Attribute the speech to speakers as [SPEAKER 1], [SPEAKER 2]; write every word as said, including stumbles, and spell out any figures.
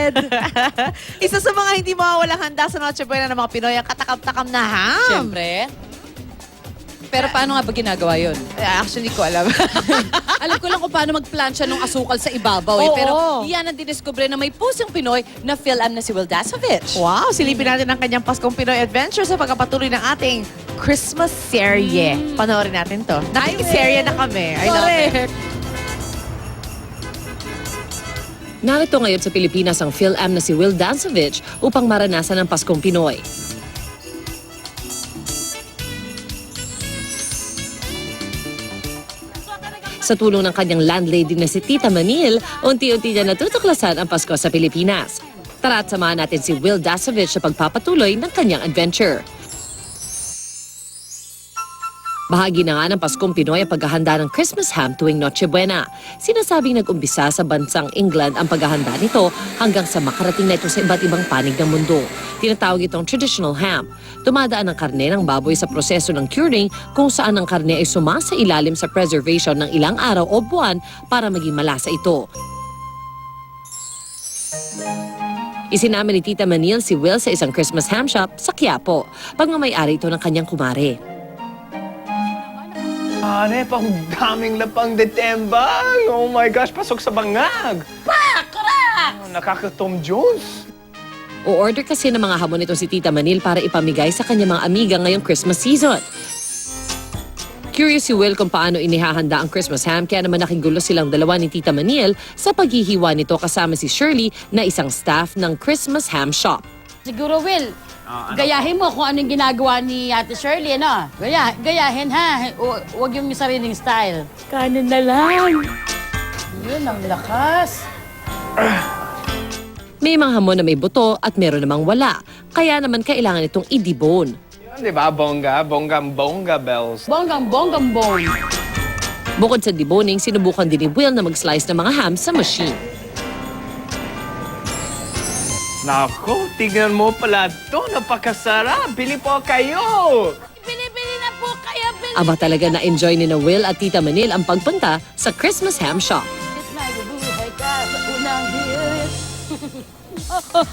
[SPEAKER 1] bread. Isa sa mga hindi mawawalang handa sa Noche Buena ng mga Pinoy ang katakam-takam na ham.
[SPEAKER 2] Siyempre. Pero paano nga ba ginagawa yun?
[SPEAKER 1] Eh, Actually, ko alam.
[SPEAKER 2] Alam ko lang kung paano magplansya ng asukal sa ibabaw eh.
[SPEAKER 1] Oo.
[SPEAKER 2] Pero yan ang diniskubre na may pusong Pinoy na Phil-Am na si Will Dasovich.
[SPEAKER 1] Wow, silipin natin ang kanyang Paskong Pinoy Adventure sa pagkapatuloy ng ating Christmas serye.
[SPEAKER 2] Mm.
[SPEAKER 1] Panoorin natin to. Nakikiserye na kami. I love it.
[SPEAKER 2] Correct.
[SPEAKER 3] Narito ngayon sa Pilipinas ang Phil-Am na si Will Dasovich upang maranasan ang Paskong Pinoy. Sa tulong ng kanyang landlady na si Tita Manil, unti-unti niya natutuklasan ang Pasko sa Pilipinas. Tara at samahan natin si Will Dasovich sa pagpapatuloy ng kanyang adventure. Bahagi na nga ng Paskong Pinoy ang paghahanda ng Christmas ham tuwing Noche Buena. Sinasabing nag-umpisa sa bansang England ang paghahanda nito hanggang sa makarating na ito sa iba't ibang panig ng mundo. Tinatawag itong traditional ham. Tumadaan ang karne ng baboy sa proseso ng curing kung saan ang karne ay sumasa ilalim sa preservation ng ilang araw o buwan para maging malasa ito. Isinama ni Tita Manil si Will sa isang Christmas ham shop sa Quiapo. Pagmamayari ito ng kanyang kumare.
[SPEAKER 4] Ane, pang daming lapang detembang. Oh my gosh, pasok sa bangag.
[SPEAKER 2] Pa! Correct!
[SPEAKER 4] Oh, nakaka-Tom Jones.
[SPEAKER 3] O-order kasi ng mga hamon ito si Tita Manil para ipamigay sa kanyang mga amiga ngayong Christmas season. Curious si Will kung paano inihahanda ang Christmas ham kaya naman nakigulo silang dalawa ni Tita Manil sa paghihiwa nito kasama si Shirley na isang staff ng Christmas ham shop.
[SPEAKER 5] Siguro, Will,
[SPEAKER 4] Ah, ano
[SPEAKER 5] gayahin mo kung anong ginagawa ni Ate Shirley, ano? Gaya, gayahin, ha? Hu- Huwag yung sariling style. Kanin na lang. Yun, ang lakas.
[SPEAKER 3] May mga hamon na may buto at meron namang wala. Kaya naman kailangan itong i-debone.
[SPEAKER 4] Yan, di ba? Bongga, bongga-bongga bells.
[SPEAKER 5] Bonggang, bonggang, bong.
[SPEAKER 3] Bukod sa deboning, sinubukan din ni Will na mag-slice ng mga ham sa machine.
[SPEAKER 4] Nako, tignan mo pala to. Napakasarap. Bili po kayo.
[SPEAKER 5] Bili-bili na po kayo, bili.
[SPEAKER 3] Aba talaga na-enjoy ni na Will at Tita Manil ang pagpunta sa Christmas ham shop.
[SPEAKER 5] Mabubuhay ka sa unang hirit.